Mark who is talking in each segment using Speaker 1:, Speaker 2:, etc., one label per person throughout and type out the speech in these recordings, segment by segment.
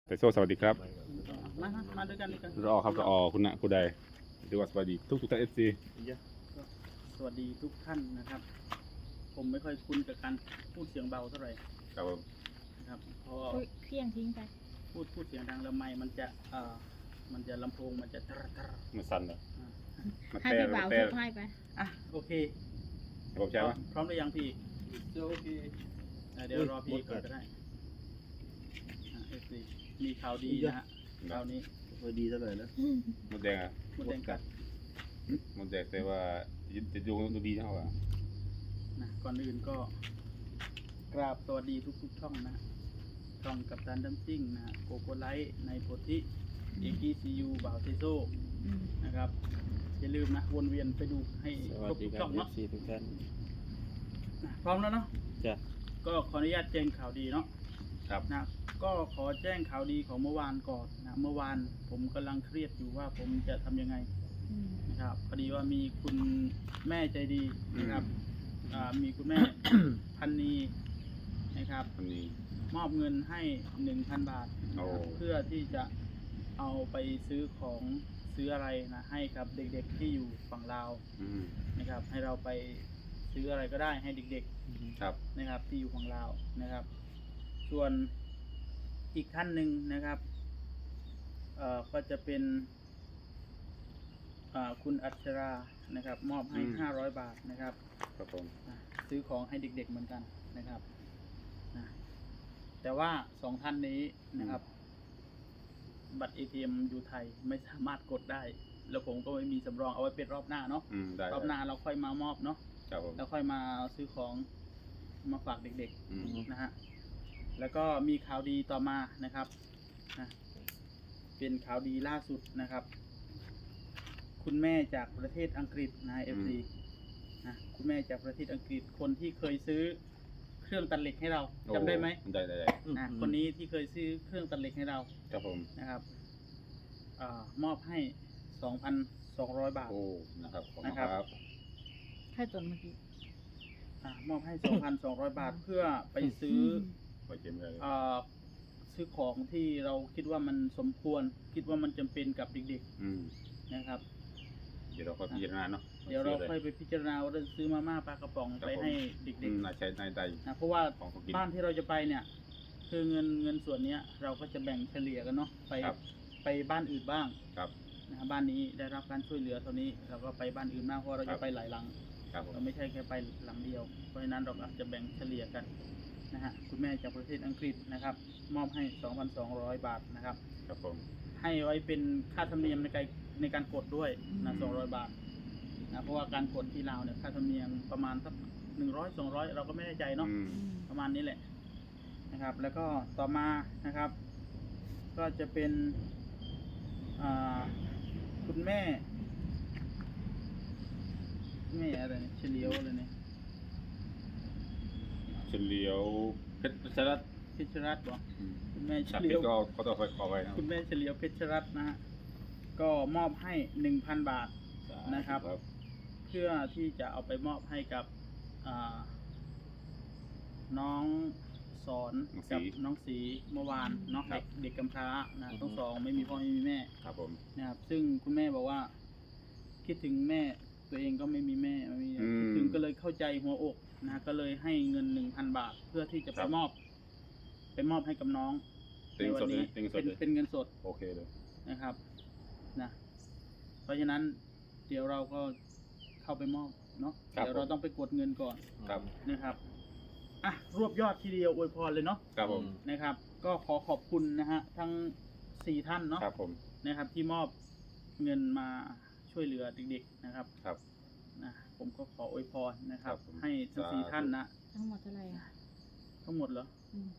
Speaker 1: แต่โซ่สวัสดีครับ
Speaker 2: มาด้วยกันด้วยกัน
Speaker 1: รอครับรอคุณณคุณใดดูว่าสวัสดีทุกท่านFC
Speaker 2: สวัสดีทุกท่านนะครับ ผมไม่ค่อยคุ้นกับการพูดเสียงเบาเท่าไหร่
Speaker 1: ครับผม
Speaker 2: นะครับเพราะ
Speaker 3: เครื่องทิ้งไป
Speaker 2: พูดเสียงดังแล้วไมค์มันจะลำโพงมันจะตรตร
Speaker 1: มันสั่นเหรอ
Speaker 2: อ่า
Speaker 1: มัน
Speaker 3: ให้
Speaker 1: แต่
Speaker 3: พี่
Speaker 1: มั
Speaker 3: บ่าน ว
Speaker 1: แต่
Speaker 3: ทุกให้ไป
Speaker 2: อ่ะโอเค
Speaker 1: ผมใช่ปะ
Speaker 2: พร้อมหรือยังพี่
Speaker 4: โอเค
Speaker 2: เดี๋ยวรอพี่ก่อนก็ได้FC มีข่าวดีนะฮะข่าวนี้
Speaker 4: พอดีเท่าไหร่แล้ว
Speaker 1: มดแดงอ่ะ
Speaker 2: มดแดงกัด
Speaker 1: มดแดงแต่ว่าจะดูดีเท่าไหร่
Speaker 2: นะก่อนอื่นก็กราบสวัสดีทุกช่องนะฮะช่องกัปตันดัมซิ่งนะฮะโกโกไลท์ในโพธิเอกีซียูบ่าวเทโซนะครับอย่าลืมนะวนเวียนไปดูให้ครบทุกช่องเนาะ
Speaker 4: ทุกท่าน
Speaker 2: นะพร้อมแล้วเนาะ
Speaker 4: จ้ะ
Speaker 2: ก็ขออนุญาตแจ้งข่าวดีเนาะ
Speaker 1: ครับ
Speaker 2: นะก็ขอแจ้งข่าวดีของเมื่อวานก่อนนะเมื่อวานผมกำลังเครียดอยู่ว่าผมจะทำยังไงนะครับพอดีว่ามีคุณแม่ใจดีนะครับมีคุณแม่ พันนีนะครับ
Speaker 1: วันนี้
Speaker 2: มอบเงินให้ 1,000 บาทนะ
Speaker 1: โอ้
Speaker 2: ครับเพื่อที่จะเอาไปซื้อของซื้ออะไรนะให้กับเด็กๆที่อยู่ฝั่งลาว
Speaker 1: อืม
Speaker 2: นะครับ ให้เราไปซื้ออะไรก็ได้ให้เด็ก
Speaker 1: ครับ
Speaker 2: ๆนะครับที่อยู่ฝั่งลาวนะครับ ส่วนอีกท่านหนึ่งนะครับก็จะเป็นคุณอัชรานะครับมอบให้ 500 บาทนะครับ
Speaker 1: ครับผม
Speaker 2: ซื้อของให้เด็กๆเหมือนกันนะครับนะแต่ว่า2ท่านนี้นะครับ บัตร ATM อยู่ไทยไม่สามารถกดได้ แล้วผมก็ไม่มีสำรองเอาไว้เป็นรอบหน้าเนาะ
Speaker 1: ได้
Speaker 2: รอบหน้าเราค่อยมามอบเนาะ
Speaker 1: ครับผม
Speaker 2: แล้วค่อยมาซื้อของมาฝากเด็ก
Speaker 1: อืม
Speaker 2: ๆนะฮะแล้วก็มีข่าวดีต่อมานะครับนะเป็นข่าวดีล่าสุดนะครับ คุณแม่จากประเทศอังกฤษนะ FC นะคุณแม่จากประเทศอังกฤษคนที่เคยซื้อเครื่องตัดเหล็กให้เราจำได้ไหม
Speaker 1: ได้
Speaker 2: คนนี้ที่เคยซื้อเครื่องตัดเหล็กให้เรา
Speaker 1: ครับผม
Speaker 2: นะครับมอบให้ 2,200 บาท
Speaker 1: โอ้นะครับขอบคุณ
Speaker 2: นะครับ
Speaker 1: ครับ
Speaker 3: ให้ตนเมื่อกี้
Speaker 2: มอบให้ 2,200 บาทเพื่อไปซื้อ
Speaker 1: ไปเกมเลย
Speaker 2: ซื้อของที่เราคิดว่ามันสมควร คิดว่ามันจำเป็นกับเด็ก
Speaker 1: อืม
Speaker 2: ๆนะครับ
Speaker 1: เดี๋ยวเราค่อยพิจารณาเนาะ
Speaker 2: เดี๋ยวเราค่อยไปพิจารณาว่าจะซื้อมาม่าปลากระป๋องไปให้เด็ก
Speaker 1: นายใช้นายใด
Speaker 2: ๆนะเพราะว่า
Speaker 1: ของเขากิน
Speaker 2: บ้านที่เราจะไปเนี่ย คือเงินส่วนเนี้ย เราก็จะแบ่งเฉลี่ยกันเนาะไปบ้านอื่นบ้าง
Speaker 1: ครับ
Speaker 2: นะบ้านนี้ได้รับการช่วยเหลือเท่านี้เราก็ไปบ้านอื่นบ้างเพราะเราจะไปหลายหลัง
Speaker 1: ครับผม
Speaker 2: เราไม่ใช่แค่ไปหลังเดียว เพราะฉะนั้นเราอาจจะแบ่งเฉลี่ยกันนะฮะคุณแม่จากประเทศอังกฤษนะครับ มอบให้ 2,200 บาทนะครับ
Speaker 1: ครับผม
Speaker 2: ให้ไว้เป็นค่าธรรมเนียมในการกดด้วยนะ200 บาทนะเพราะว่าการกดที่ลาวเนี่ยค่าธรรมเนียมประมาณสัก100 200 เราก็ไม่แน่ใจเนาะ
Speaker 1: อืม
Speaker 2: ประมาณนี้แหละนะครับ แล้วก็ต่อมานะครับ ก็จะเป็นคุณแม่อะไรเนี่ยเฉลียวอะไรเนี่ย
Speaker 1: เฉลียวเพชรรัตน์
Speaker 2: เพชรรัตน์บอกคุณแม่เฉ
Speaker 1: ชัก
Speaker 2: ลี
Speaker 1: เพ
Speaker 2: ย
Speaker 1: ช
Speaker 2: ว
Speaker 1: รก็เขาต้องขอไว้นะ
Speaker 2: คุณแม่เฉลียวเพชรรัตน์นะฮะก็มอบให้ 1,000 บาท นะครับ เพื่อที่จะเอาไปมอบให้กับน้องสอนกับน้องสีเมื่อวานเนาะเด็กกำพร้านะทั้งสองไม่มีพ่อไม่มีแม่
Speaker 1: ครับผม
Speaker 2: นะครับซึ่งคุณแม่บอกว่า คิดถึงแม่ตัวเองก็ไม่มีแม่ไม่มีคิดถึงก็เลยเข้าใจหัวอกนะก็เลยให้เงิน 1,000 บาท เพื่อที่จะไปมอบให้กับน้อง
Speaker 1: เต็งสดเลยเต็งสดเลย
Speaker 2: เป็นเงินสด
Speaker 1: โอเคเลย
Speaker 2: นะครับนะเพราะฉะนั้นเดี๋ยวเราก็เข้าไปมอบเนาะเดี๋ยวเราต้องไปกดเงินก่อน
Speaker 1: ครับ
Speaker 2: นะครับอ่ะรวบยอดทีเดียวอวยพรเลยเนาะ
Speaker 1: ครับผม
Speaker 2: นะครับ ก็ขอขอบคุณนะฮะทั้ง4ท่านเนาะ
Speaker 1: ครับผม
Speaker 2: นะครับที่มอบเงินมาช่วยเหลือเด็กๆนะครับ
Speaker 1: ครับ
Speaker 2: นะผมก็ขออวยพรนะครับ
Speaker 1: ครับผม
Speaker 2: ให้ทั้ง
Speaker 1: สาธุ
Speaker 2: 4ท่านนะ
Speaker 3: ทั้งหมดเท่าไหร่อ่ะ
Speaker 2: ทั้งหมดเหรอ
Speaker 3: อืม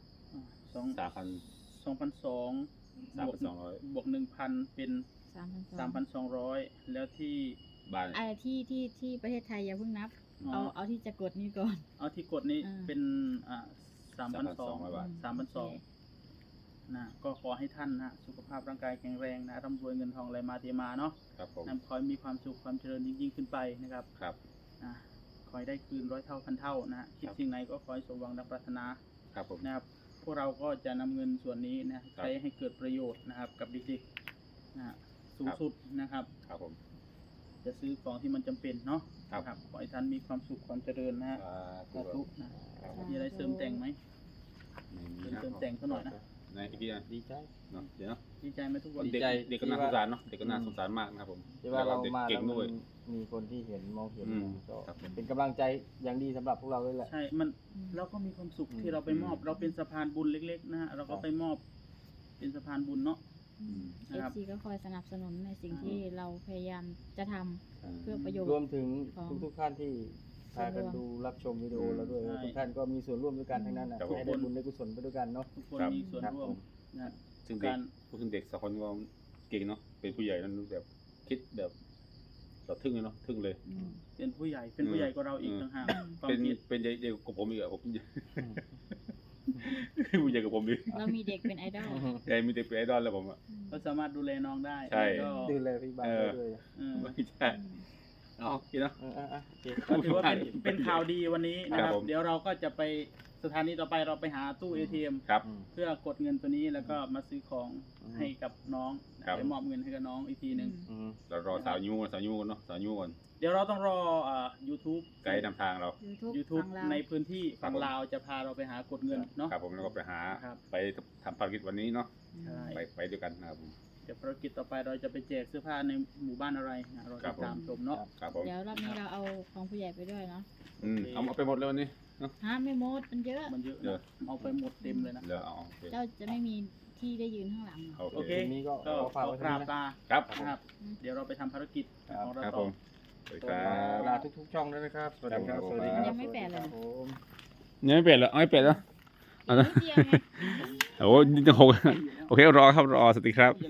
Speaker 2: 2,200
Speaker 1: 3,200
Speaker 2: บวก 1,000 เป็น
Speaker 3: 3,200
Speaker 2: แล้วที่
Speaker 1: บ้าน
Speaker 3: ไอ้ที่ประเทศไทยอย่าเพิ่งนับ
Speaker 2: อ๋อ
Speaker 3: เอาที่จะกดนี้ก่อน
Speaker 2: เอาที่กดนี้
Speaker 3: อ่า
Speaker 2: เป็น3,200
Speaker 1: บาท
Speaker 2: 3,200นะก็ขอให้ท่านนะสุขภาพร่างกายแข็งแรงนะร่ำรวยเงินทองไหลมาเทมาเนาะ
Speaker 1: ครับผม
Speaker 2: ขอให้มีความสุขความเจริญยิ่งๆขึ้นไปนะครับ
Speaker 1: ครับ
Speaker 2: นะขอให้ได้คืน100 เท่าพันเท่านะคิด
Speaker 1: ครับ
Speaker 2: สิ่งไหนก็ขอให้สมหวังดังปรารถนา
Speaker 1: ครับผม
Speaker 2: นะครับพวกเราก็จะนำเงินส่วนนี้นะใช้ให้เกิดประโยชน์นะครับ กับเด็กๆนะฮะสูงสุดนะครับ
Speaker 1: ครับผม
Speaker 2: จะซื้อของที่มันจำเป็นเนาะ
Speaker 1: ครับ
Speaker 2: นะครับขอให้ท่านมีความสุขความเจริญนะฮะสาธุนะมีอะไรเสริมแต่งไหมเสริมแต่งเขาหน่อยนะ
Speaker 1: ในอีกทีนะ
Speaker 5: ดีใจ
Speaker 1: เนาะเดี๋ยวเนาะ
Speaker 2: ดีใจไหมทุกคน
Speaker 5: ดี
Speaker 1: เด็ก
Speaker 5: ใจ
Speaker 1: เด็กก็น่าสงสารเนาะเด็กก็น่าสงสารมากนะครับผม
Speaker 5: ที่ว่าเรา
Speaker 1: ด็ก
Speaker 5: มา
Speaker 1: เก่
Speaker 5: แล้
Speaker 1: ง
Speaker 5: ว
Speaker 1: ด้วย
Speaker 5: มันมีคนที่เห็นมองเห็น
Speaker 1: อืม
Speaker 5: ก็
Speaker 1: ครับผม
Speaker 5: เป็นกำลังใจอย่างดีสำหรับพวกเราเลยแหละ
Speaker 2: ใช่มันเราก็มีความสุขที่เราไปมอบ เราเป็นสะพานบุญเล็กๆนะฮะเราก็ไปมอบ เป็นสะพานบุญเนาะ
Speaker 3: เอ
Speaker 2: นะครับ
Speaker 3: ซีก็คอยสนับสนุนในสิ่งที่เราพยายามจะทำเพื่อประโยช
Speaker 5: รวม
Speaker 3: น์
Speaker 5: ถึง
Speaker 3: ของ
Speaker 5: ทุกๆท่านที่พากันดูรับชมวิดีโอเราด้วย
Speaker 2: ใช่
Speaker 5: ทุกท่านก็มีส่วนร่วมด้วยกันทั้งนั้นนะ
Speaker 1: ครับผม
Speaker 5: ให้ได้บุญได้กุศลไปด้วยกันเนาะ
Speaker 2: ทุกคน
Speaker 1: ครับ
Speaker 2: มีส่วน
Speaker 5: ครับ
Speaker 2: ร่ว
Speaker 5: ผม ม
Speaker 2: นะ
Speaker 1: ซึ่งเด็กพูดถึงเด็กสองคนก็เก่งเนาะเป็นผู้ใหญ่นั้นแบบคิดแบบเราทึ่งเลยเนาะทึ่งเลย
Speaker 3: อืม
Speaker 2: เป็นผู้ใหญ่เป็นผู้ใหญ่กว่าเราอีกต่างหากความ
Speaker 1: เป็น
Speaker 2: คิด
Speaker 1: เป็นใหญ่กว่าผมอีกอะผม ผู้ใหญ่กว่าผมอีก
Speaker 3: เรามีเด็กเป็นไอดอล
Speaker 1: ใหญ่มีเด็กเป็นไอดอลแล้วผมอะ
Speaker 2: ก็สามารถดูแลน้องได้
Speaker 1: ใช่
Speaker 2: แล้วก็
Speaker 5: ดูแลพี่บ้านได้ด้วย
Speaker 2: เออ
Speaker 1: ไม่ใช่เอาคิดเนาะ
Speaker 5: โอเค
Speaker 2: ก็ถือว่าเป็นข่าวดีวันนี้นะค
Speaker 1: ครั
Speaker 2: รั
Speaker 1: บบ ผม
Speaker 2: เดี๋ยวเราก็จะไปสถานีต่อไปเราไปหาตู้ ATM
Speaker 1: ครับ
Speaker 2: เพื่อกดเงินตัวนี้แล้วก็มาซื้อของให้กับน้อง
Speaker 1: ครับ
Speaker 2: ไปมอบเงินให้กับน้องอีกทีหนึ่ง
Speaker 5: อืม
Speaker 1: เรารอสาวยูก่อนสาวยูก่อนเนาะสาวยูก่อน
Speaker 2: เดี๋ยวเราต้องรอYouTube
Speaker 1: ไกด์นำทางเรา
Speaker 2: YouTube
Speaker 3: ฝั่งลาว
Speaker 2: ในพื้นที่ฝั่ง
Speaker 1: ครับผม
Speaker 2: ลาวจะพาเราไปหากดเงินเนาะ
Speaker 1: ครับผมแล้วก็ไปหา
Speaker 2: ครับ
Speaker 1: ไปทำภารกิจวันนี้เนาะ
Speaker 2: ใช่
Speaker 1: ไปด้วยกันนะครับผม
Speaker 2: เดี๋ยวภารกิจต่อไปเราจะไปแจกเสื้อผ้าในหมู่บ้านอะไรนะเรา
Speaker 1: ครั
Speaker 2: ติ
Speaker 1: บ
Speaker 2: ดตามชมเนาะ
Speaker 1: ครับผม
Speaker 3: เดี๋ยวรอบนี้เราเอาของผู้ใหญ่ไปด้วยเนาะ
Speaker 1: เอาไปหมดเลยวันนี้
Speaker 3: ฮะไม่หมดมันเยอะ
Speaker 2: มันเยอะ
Speaker 1: เดี๋ยว
Speaker 2: นะเอาไปหมดเต็มเลยนะ
Speaker 1: เดี๋ยวเอาโอเค
Speaker 3: เจ้าจะไม่มีที่ได้ยืนข้างหลังหรอก
Speaker 1: โอ
Speaker 2: โอ
Speaker 1: เค
Speaker 2: เค
Speaker 5: วันนี้ก็
Speaker 2: ก็
Speaker 5: ขอ
Speaker 2: ข
Speaker 5: ฝาก
Speaker 2: อ
Speaker 5: ไว้
Speaker 2: ก
Speaker 5: เท่า
Speaker 2: รา
Speaker 5: นี้
Speaker 2: บ
Speaker 5: นะ
Speaker 2: ลา
Speaker 1: ครับ
Speaker 2: นะครับ เดี๋ยวเราไปทำภารกิจของเรา
Speaker 1: ครับ
Speaker 2: ต่
Speaker 1: ผ
Speaker 2: อ
Speaker 1: มสวัสดีครับ
Speaker 5: ลาทุกๆช่องด้วยนะครับ สวัสดีครับ สวัสดีครับ
Speaker 3: ยังไม่แปดเลย
Speaker 5: ครับผม
Speaker 1: ยังไม่เปลี่ยนเหรอเอาไม่เปลี่ยนแล้ว
Speaker 3: อีกนิดเดียวไง
Speaker 1: โอ้ยนี่จะหกโอเครอครับรอสวัสดีครับ